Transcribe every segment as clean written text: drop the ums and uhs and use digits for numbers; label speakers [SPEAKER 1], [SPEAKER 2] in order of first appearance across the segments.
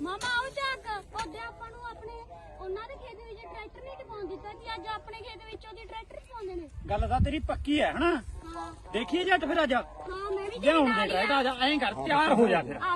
[SPEAKER 1] ਮਾਮਾ ਆਓ ਚੱਕ ਉਹਦੇ ਆਪਾਂ ਨੂੰ ਆਪਣੇ ਉਹਨਾਂ ਦੇ ਖੇਤ ਵਿੱਚ ਟਰੈਕਟਰ ਨਹੀਂ ਟਪਾਉਣ ਦਿੱਤਾ ਸੀ ਅੱਜ ਆਪਣੇ ਖੇਤ ਵਿੱਚ ਉਹਦੀ ਟਰੈਕਟਰ ਟਪਾਉਂਦੇ ਨੇ।
[SPEAKER 2] ਗੱਲ ਤਾਂ ਤੇਰੀ ਪੱਕੀ ਹੈ ਹਨਾ।
[SPEAKER 1] ਹਾਂ
[SPEAKER 2] ਦੇਖੀਏ ਜੱਟ ਫਿਰ ਅੱਜ
[SPEAKER 1] ਹਾਂ ਮੈਂ ਵੀ
[SPEAKER 2] ਲਿਆਉਣ ਦੇ ਟਰੈਕਟਰ ਆ ਜਾ ਐਂ ਕਰ ਤਿਆਰ ਹੋ ਜਾ ਫਿਰ।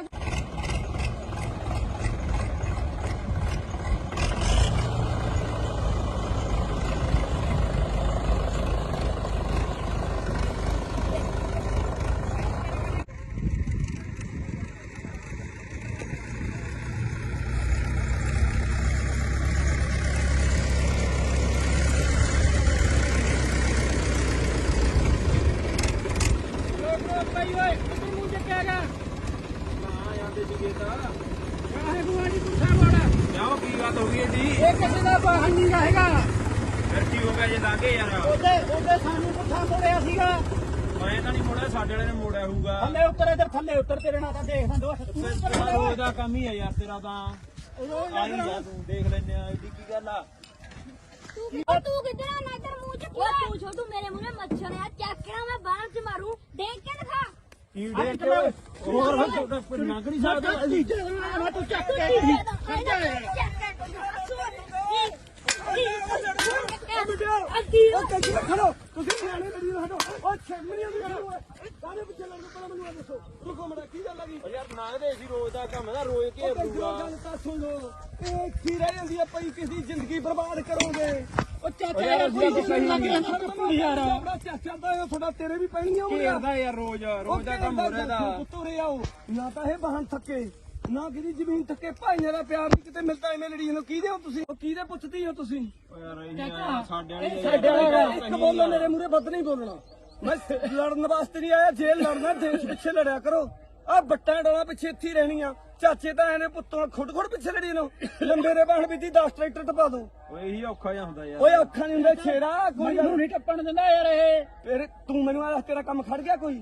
[SPEAKER 2] ਕਿਸੇ ਦਾ ਵਾਹਨ ਨਹੀਂ ਰਹੇਗਾ
[SPEAKER 3] ਫਿਰ ਕੀ ਹੋ ਗਿਆ ਜੇ ਲਾਗੇ ਯਾਰ
[SPEAKER 2] ਉਹਦੇ ਸਾਨੂੰ ਪੁੱਠਾ ਮੋੜਿਆ ਸੀਗਾ।
[SPEAKER 3] ਮੈਂ ਤਾਂ ਨਹੀਂ ਮੋੜਿਆ ਸਾਡੇ ਵਾਲੇ ਨੇ ਮੋੜਿਆ ਹੋਊਗਾ।
[SPEAKER 2] ਥੱਲੇ ਉੱਤਰ ਇਧਰ ਥੱਲੇ ਉੱਤਰ ਤੇਰੇ ਨਾਲ ਤਾਂ ਦੇਖਦਾ ਦੋ
[SPEAKER 3] ਰੋਜ਼ ਦਾ ਕੰਮ ਹੀ ਹੈ ਯਾਰ ਤੇਰਾ ਤਾਂ ਆਈ ਜਾ ਤੂੰ ਦੇਖ ਲੈਨੇ ਆ ਇਹਦੀ ਕੀ ਗੱਲ ਆ।
[SPEAKER 1] ਤੂੰ ਕਿੱਧਰ ਆ ਨਾ ਤੇਰਾ ਮੂੰਹ ਚ ਕੀ ਹੈ ਤੂੰ ਛੋਟੂ ਮੇਰੇ ਮੂੰਹ ਵਿੱਚ ਮੱਛਰ ਆ ਚੱਕ ਕੇ ਮੈਂ ਬਾਹਰ ਚ ਮਾਰੂ ਦੇਖ ਕੇ ਦਿਖਾ
[SPEAKER 3] ਕੀ ਦੇਖ ਕੇ ਹੋਰ ਨੰਗ ਨਹੀਂ ਸਕਦਾ
[SPEAKER 2] ਅਸੀਂ ਮੈਂ ਤੂੰ ਚੱਕ ਕੇ ਖੜੋ ਤੁਸੀਂ ਸਿਆਣੇ ਬੜੀ ਹਟੋ ਉਹ ਛੇਮਣੀ ਦੀ ਗੱਲ ਹੋਏ ਸਾਰੇ ਪਿੱਛੇ ਲੜਨ ਪਹਿਲਾਂ ਮੈਨੂੰ ਦੱਸੋ ਤੂੰ ਕੋਮੜਾ ਕੀ ਗੱਲ ਲੱਗੀ
[SPEAKER 3] ਯਾਰ ਨੰਗਦੇ ਸੀ ਰੋਜ਼ ਦਾ ਕੰਮ ਦਾ ਰੋਜ਼ ਘੇਰ ਲੂਗਾ।
[SPEAKER 2] ਗੱਲ ਤਾਂ ਸੁਣ ਲੋ ਇਹ ਕੀ ਰਹਿ ਜਾਂਦੀ ਆ ਪਈ ਕਿਸੇ ਜ਼ਿੰਦਗੀ ਬਰਬਾਦ ਕਰੋਗੇ। ਉਹ ਚਾਚਾ ਯਾਰ ਕੋਈ ਸਹੀ ਨਹੀਂ ਯਾਰ ਆਪਣਾ ਚਾਚਾ ਦਾ ਤੁਹਾਡਾ ਤੇਰੇ ਵੀ ਪੈਣੀਆਂ
[SPEAKER 3] ਘੇਰਦਾ ਯਾਰ ਰੋਜ਼ ਦਾ ਕੰਮ ਹੋ ਰਿਹਾ ਦਾ
[SPEAKER 2] ਤੁਰੇ ਆਓ ਨਾ ਤਾਂ ਇਹ ਵਾਹਨ ਥੱਕੇ ਨਾ ਕਿਹਦੀ ਜ਼ਮੀਨ ਥੱਕੇ ਭਾਈਆਂ ਦਾ ਪਿਆਰ ਨਹੀਂ ਕਿਤੇ ਮਿਲਦਾ ਐਵੇਂ ਲੜੀ ਨੂੰ ਕਿਹਦੇ ਹੋ ਤੁਸੀਂ ਉਹ ਕਿਹਦੇ ਪੁੱਛਦੀ ਹੋ ਤੁਸੀਂ
[SPEAKER 3] ਓ ਯਾਰ ਇਹ
[SPEAKER 2] ਸਾਡੇ ਵਾਲਾ ਇੱਕ ਬੋਲੋ ਮੇਰੇ ਮੂਹਰੇ ਵੱਧ ਨਹੀਂ ਬੋਲਣਾ ਮੈਂ ਲੜਨ ਵਾਸਤੇ ਨਹੀਂ ਆਇਆ ਜੇ ਲੜਨਾ ਦੇਸ਼ ਪਿੱਛੇ ਲੜਿਆ ਕਰੋ ਆ ਬੱਟਾਂ ਡੋਲਾ ਪਿੱਛੇ ਇੱਥੇ ਰਹਿਣੀਆਂ ਚਾਚੇ ਤਾਂ ਇਹਨੇ ਪੁੱਤੋਂ ਖੁੱਡ ਪਿੱਛੇ ਲੜੀ ਨੂੰ ਲੰਬੇ ਦੇ ਬਾਣ ਵਿੱਚ 10 ਟਰੈਕਟਰ ਟਪਾ ਦੋ
[SPEAKER 3] ਓਏ ਇਹੀ ਔਖਾ ਜਿਹਾ ਹੁੰਦਾ ਯਾਰ।
[SPEAKER 2] ਓਏ ਔਖਾ ਨਹੀਂ ਹੁੰਦਾ ਛੇੜਾ ਕੋਈ ਨਹੀਂ ਟੱਪਣ ਦਿੰਦਾ ਯਾਰ ਇਹ ਫਿਰ ਤੂੰ ਮੈਨੂੰ ਆ ਤੇਰਾ ਕੰਮ ਖੜ ਗਿਆ ਕੋਈ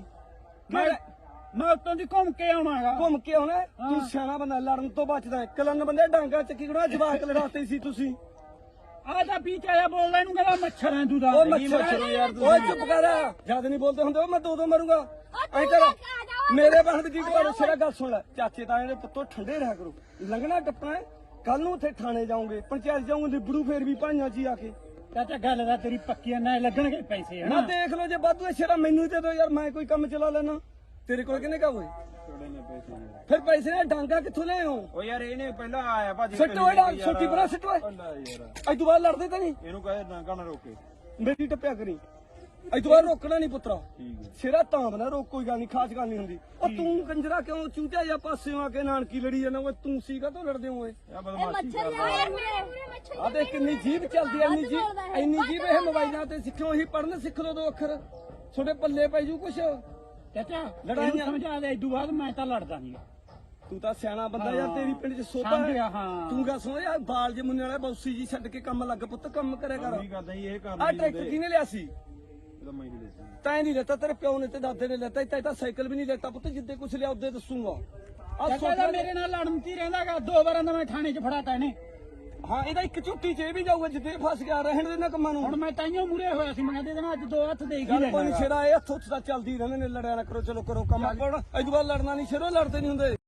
[SPEAKER 2] ਮੈਂ ਉੱਤੋਂ ਦੀ ਘੁੰਮ ਕੇ ਆਉਣਾਗਾ ਘੁੰਮ ਕੇ ਆਉਣਾ ਤੂੰ ਸਿਆਣਾ ਬੰਦਾ ਲੜਨ ਤੋਂ ਬਚਦਾ ਕਲਨ ਬੰਦੇ ਡਾਂਗਾ ਚੱਕੀ ਖੜਾ ਜਵਾਕ ਲੜਾਤੇ ਸੀ ਤੁਸੀਂ ਆ ਤਾਂ ਪੀਚ ਆਇਆ ਬੋਲਦਾ ਇਹਨੂੰ ਕਹਿੰਦਾ ਮੱਛਰ ਹੈ ਤੂੰ ਦਾ ਉਹ ਮੱਛਰ ਯਾਰ ਓਏ ਚੁੱਪ ਕਰ ਜਦ ਨਹੀਂ ਬੋਲਦੇ ਹੁੰਦੇ ਮੈਂ ਦੋ ਮਰੂੰਗਾ ਐ ਕਰ ਮੇਰੇ ਬਾਹਰ ਦੀ ਗੱਲ ਸਿਰਾ ਗੱਲ ਸੁਣ ਲੈ ਚਾਚੇ ਤਾਏ ਦੇ ਪੁੱਤੋਂ ਠੰਡੇ ਰਹਿ ਕਰੋ ਲੰਘਣਾ ਟੱਪਣਾ ਕੱਲ ਨੂੰ ਉੱਥੇ ਥਾਣੇ ਜਾਓਗੇ ਪੰਚਾਇਤ ਜਾਓਗੇ ਨਿਬੜੂ ਫੇਰ ਵੀ ਭਾਈਆਂ ਜੀ ਆ ਕੇ ਚਾਚਾ ਗੱਲ ਦਾ ਤੇਰੀ ਪੱਕੀ ਨਾ ਲੱਗਣਗੇ ਪੈਸੇ ਹਨਾ ਦੇਖ ਲਓ ਜੇ ਵਾਧੂ ਸਿਰਾ ਮੈਨੂੰ ਦੇ ਦੋ ਯਾਰ ਮੈਂ ਕੋਈ ਕੰਮ ਚਲਾ ਲੈਣਾ ਤੇਰੇ ਕੋਲ ਕਿੰਨੇ ਕਾ ਹੋਏ ਫਿਰ ਪੈਸੇ ਨੇ ਡਾਂਗਾ ਕਿੱਥੋਂ ਲੈ ਆਓ
[SPEAKER 3] ਓ ਯਾਰ ਇਹਨੇ ਪਹਿਲਾਂ ਆਇਆ ਭਾਜੀ
[SPEAKER 2] ਸੱਟੋ ਇਹਦਾ ਛੋਟੀ ਬਰਾ ਸੱਟੋ ਅੱਜ ਤੋਂ ਬਾਅਦ ਲੜਦੇ ਤਾਂ ਨਹੀਂ
[SPEAKER 3] ਇਹਨੂੰ ਕਹੇ ਡਾਂਗਾ ਨਾ ਰੋਕੇ
[SPEAKER 2] ਮੇਰੀ ਟੱਪਿਆ ਕਰੀ ਅੱਜ ਤੋਂ ਬਾਅਦ ਰੋਕਣਾ ਨਹੀਂ ਪੁੱਤਰਾ
[SPEAKER 3] ਠੀਕ ਹੈ
[SPEAKER 2] ਸਿਰਾ ਤਾਂ ਬਣਾ ਰੋਕ ਕੋਈ ਗੱਲ ਨਹੀਂ ਖਾਸ ਗੱਲ ਨਹੀਂ ਹੁੰਦੀ ਉਹ ਤੂੰ ਕੰਜਰਾ ਕਿਉਂ ਚੂਚਾ ਜਾਂ ਪਾਸਿਓਂ ਆ ਕੇ ਨਾਨਕੀ ਲੜੀ ਜਾਂਦਾ ਓਏ ਤੂੰ ਸੀਗਾ ਤੂੰ ਲੜਦੇ ਓਏ
[SPEAKER 3] ਇਹ ਬਦਮਾਸ਼ੀ
[SPEAKER 1] ਮੱਛਰ ਯਾਰ ਮੇਰੇ ਮੱਛਰ
[SPEAKER 2] ਆ ਦੇਖ ਕਿੰਨੀ ਜੀਭ ਚੱਲਦੀ ਐ ਇੰਨੀ ਜੀਭ ਇਹ ਮੋਬਾਈਲਾਂ ਤੇ ਸਿੱਖੋ ਹੀ ਪੜਨ ਸਿੱਖ ਲੋ 2 ਅੱਖਰ ਤੁਹਾਡੇ ਪੱਲੇ ਪੈ ਜੂ ਕੁਛ ਚਾਚਾ ਲੜਾਈਆਂ ਸਮਝਾ ਦੇ ਇਦੋਂ ਬਾਅਦ ਮੈਂ ਤਾਂ ਲੜਦਾ ਨਹੀਂ ਤੂੰ ਤਾਂ ਸਿਆਣਾ ਬੰਦਾ ਯਾਰ ਤੇਰੀ ਪਿੰਡ ਚ ਸੋਭਾ ਹੈ ਤੂੰ ਗਾ ਸੁਣ ਯਾਰ ਬਾਲ ਜੇ ਮੁੰਨੇ ਵਾਲਾ ਬੌਸੀ ਜੀ ਛੱਡ ਕੇ ਕੰਮ ਲੱਗ ਪੁੱਤ ਕੰਮ ਕਰਿਆ ਕਰ
[SPEAKER 3] ਕੀ ਕਰਦਾ ਇਹ ਕੰਮ
[SPEAKER 2] ਆ ਟਰੈਕਟਰ ਕਿਹਨੇ ਲਿਆ ਸੀ
[SPEAKER 3] ਇਹਦਾ ਮੈਂ ਨਹੀਂ ਲੈਤਾ
[SPEAKER 2] ਤੈਂ ਨਹੀਂ ਲੈਤਾ ਤੇਰੇ ਪਿਓ ਨੇ ਤੇ ਦਾਦੇ ਨੇ ਲੈਤਾ ਤੈਂ ਤਾਂ ਸਾਈਕਲ ਵੀ ਨਹੀਂ ਲੈਤਾ ਪੁੱਤ ਜਿੱਦੇ ਕੁਛ ਲਿਆ ਉਹਦੇ ਦੱਸੂਗਾ ਆ ਸੋਚਦਾ ਮੇਰੇ ਨਾਲ ਲੜਨ ਚ ਰਹਿੰਦਾਗਾ 2 ਵਾਰਾਂ ਦਾ ਮੈਂ ਥਾਣੇ ਚ ਫੜਾਤਾ ਇਹਨੇ ਹਾਂ ਇਹਦਾ ਇੱਕ ਝੁੱਟੀ ਚ ਇਹ ਵੀ ਜਾਊਗਾ ਜਿੱਦੇ ਫਸ ਗਿਆ ਰਹਿਣ ਦੇ ਨਾ ਕੰਮਾਂ ਨੂੰ ਹੁਣ ਮੈਂ ਤਾਈਓ ਮੂਰੇ ਹੋਇਆ ਸੀ ਮੈਂ ਦੇ ਦੇਣਾ ਅੱਜ 2 ਹੱਥ ਦੇ ਗਈ ਕੋਈ ਛੇੜਾ ਇਹ ਹੱਥ ਉੱਥੇ ਤਾਂ ਚੱਲਦੀ ਰਹਿੰਦੇ ਨੇ ਲੜਿਆ ਨਾ ਕਰੋ ਚਲੋ ਕਰੋ ਕੰਮ ਕੋਣ ਅੱਜ ਤੋਂ ਬਾਅਦ ਲੜਨਾ ਨਹੀਂ ਛੇੜੋ ਲੜਦੇ ਨਹੀਂ ਹੁੰਦੇ